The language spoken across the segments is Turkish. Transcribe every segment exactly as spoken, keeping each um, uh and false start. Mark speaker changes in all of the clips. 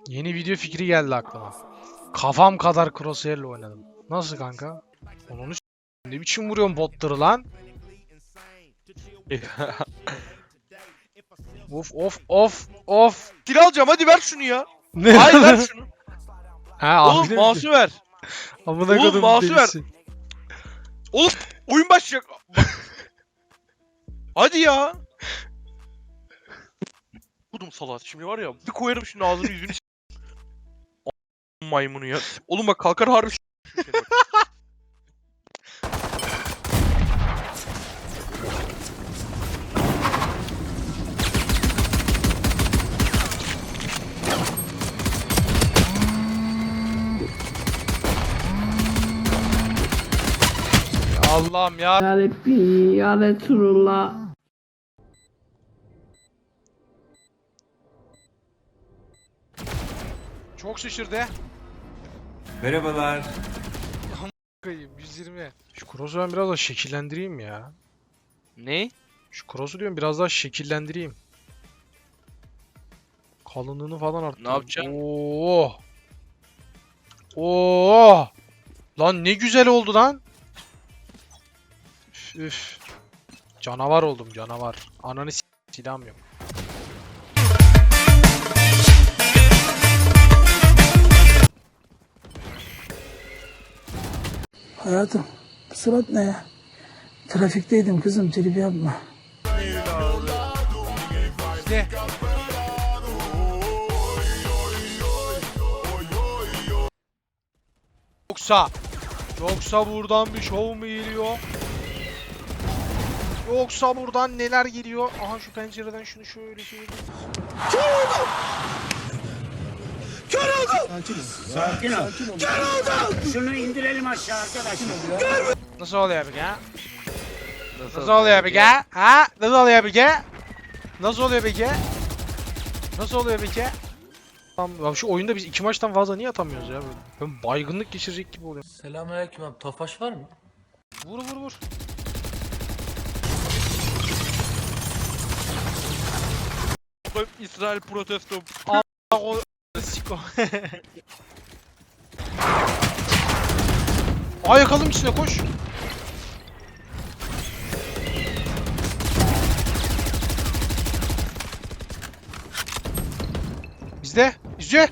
Speaker 1: Yeni video fikri geldi aklıma. Kafam kadar crosshair'le oynadım. Nasıl kanka? Onu s***. Ne biçim vuruyorsun botları lan? Of of of of.
Speaker 2: Dil alacağım, hadi ver şunu ya.
Speaker 1: Ne?
Speaker 2: Hayır ver şunu.
Speaker 1: Ha,
Speaker 2: Oğlum mouse'u ver.
Speaker 1: Amına
Speaker 2: Oğlum,
Speaker 1: kodum
Speaker 2: mouse'u ver.
Speaker 1: delisi.
Speaker 2: Oğlum oyun başlayacak. Hadi ya. Kudum salat şimdi var ya, bir koyarım şimdi ağzını yüzünü s***. Maymunu ya. Oğlum bak kalkar harbi s***.
Speaker 1: Allah'ım ya.
Speaker 3: Ya Rabbi, ya Resulullah.
Speaker 1: Çok şişirdi.
Speaker 4: Merhabalar.
Speaker 1: yüz yirmi. Şu cross'u ben biraz daha şekillendireyim ya.
Speaker 2: Ne?
Speaker 1: Şu cross'u diyorum biraz daha şekillendireyim. Kalınlığını falan arttırayım.
Speaker 2: Ne yapacaksın?
Speaker 1: Oo. Oo. Lan ne güzel oldu lan. Üf, üf. Canavar oldum canavar. Ananı s*** silahım yok.
Speaker 5: Hayatım, bu surat ne ya? Trafikteydim kızım, trip yapma.
Speaker 1: İşte. Yoksa Yoksa buradan bir şov mu geliyor? Yoksa buradan neler geliyor? Aha şu pencereden şunu şöyle şöyle.
Speaker 6: Sakin ol. Şunu indirelim aşağı arkadaşlar.
Speaker 1: Nasıl oluyor bir ya? Nasıl oluyor bir ya? Ha? Nasıl oluyor bir ya? Nasıl oluyor bir ya? Nasıl oluyor bir ya? Tamam, ya şu oyunda biz iki maçtan fazla niye atamıyoruz ya? Ben baygınlık geçirecek gibi oluyorum.
Speaker 7: Selamünaleyküm abi. Tofaş var mı?
Speaker 1: Vur vur vur.
Speaker 2: İsrail protesto.
Speaker 1: O siko. Ay yakalım içine koş. Bizde. Bizde.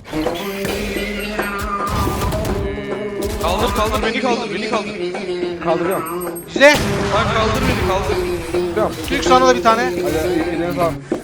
Speaker 2: Kaldır kaldır beni kaldır beni kaldır.
Speaker 1: Bizde.
Speaker 2: Lan kaldır beni kaldır.
Speaker 1: Türk sana da bir tane.
Speaker 4: Hadi,